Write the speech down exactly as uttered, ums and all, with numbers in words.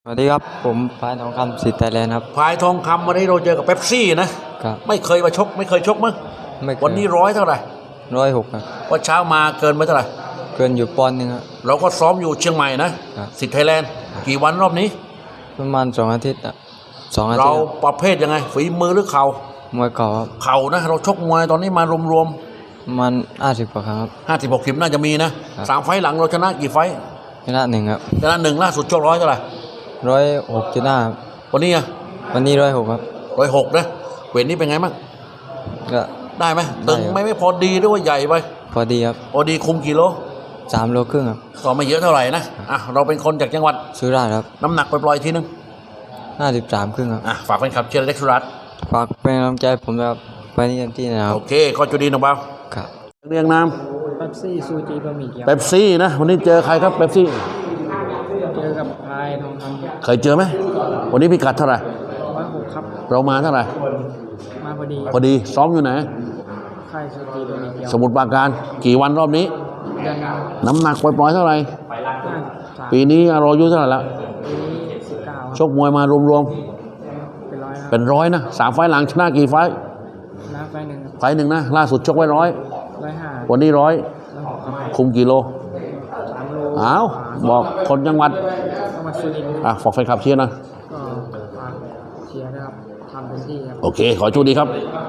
สวัสดีครับผมพายทองคำสิทธิ์ไทยแลนด์ครับพายทองคำวันนี้เราเจอกับเป๊ปซี่นะครับไม่เคยมาชกไม่เคยชกมั้งไม่เคยวันนี้ร้อยเท่าไหร่ร้อยหกครับวันเช้ามาเกินไปเท่าไหร่เกินอยู่ปอนด์หนึงครับเราก็ซ้อมอยู่เชียงใหม่นะครับสิทธิ์ไทยแลนด์กี่วันรอบนี้ประมาณสองอาทิตย์อะสองอาทิตย์เราประเภทยังไงฝีมือหรือเข่ามวยเก่าครับเข่านะเราชกมวยตอนนี้มารวมประมาณห้าสิบกว่าครั้งครับๆห้าสิบหกสิบน่าจะมีนะสามไฟล์หลังเราชนะกี่ไฟล์ชนะหนึ่งครับชนะหนึ่งล่าสุดชกร้อยเท่าไหร่ร้อยหกชนะครับวันนี้อะวันนี้ร้อยหกครับร้อยหกนะเวทนี้เป็นไงบ้างก็ได้ไหมตึงไม่ไม่พอดีหรือว่าใหญ่ไปพอดีครับพอดีคุมกี่โลสามโลครึ่งครับก็ไม่เยอะเท่าไหร่นะอ่ะเราเป็นคนจากจังหวัดสุราษฎร์ครับน้ำหนักไปปล่อยทีนึงห้าสิบสามครึ่งครับอ่ะฝากแฟนคลับเชียร์เล็กสุรัตน์ฝากเป็นกำลังใจผมแบบไปนี่เต็มที่นะครับโอเคก็จุดีนะบ่าวครับเรียงนามเป๊ปซี่ซูจีบะหมี่เกี๊ยวเป๊ปซี่นะวันนี้เจอใครครับเป๊ปซี่เจอกับพายทองคำเคยเจอไหมวันนี้พิกัดเท่าไหร่ร้อยหกครับเรามาเท่าไหร่มาพอดีพอดีซ้อมอยู่ไหนค่ายซูจีบะหมี่เกี๊ยวสมุทรปราการกี่วันรอบนี้เดือนนึงน้ำหนักปล่อยๆเท่าไหร่ปีนี้เราอายุเท่าไหร่แล้วปีนี้สิบเก้าชกมวยมารวมๆเป็นร้อยนะสามไฟล์หลังชนะกี่ไฟล์ชนะไฟหนึ่งไฟล์หนึ่งนะล่าสุดชกไว้ร้อยร้อยห้าวันนี้ร้อยคุมกี่โลสามโลอ้าวบอกคนจังหวัดจังหวัดสุรินทร์อ่ะฝากแฟนคลับเชียร์นะก็ฝากเชียร์นะครับทำเต็มที่ครับโอเคขอโชคดีครับ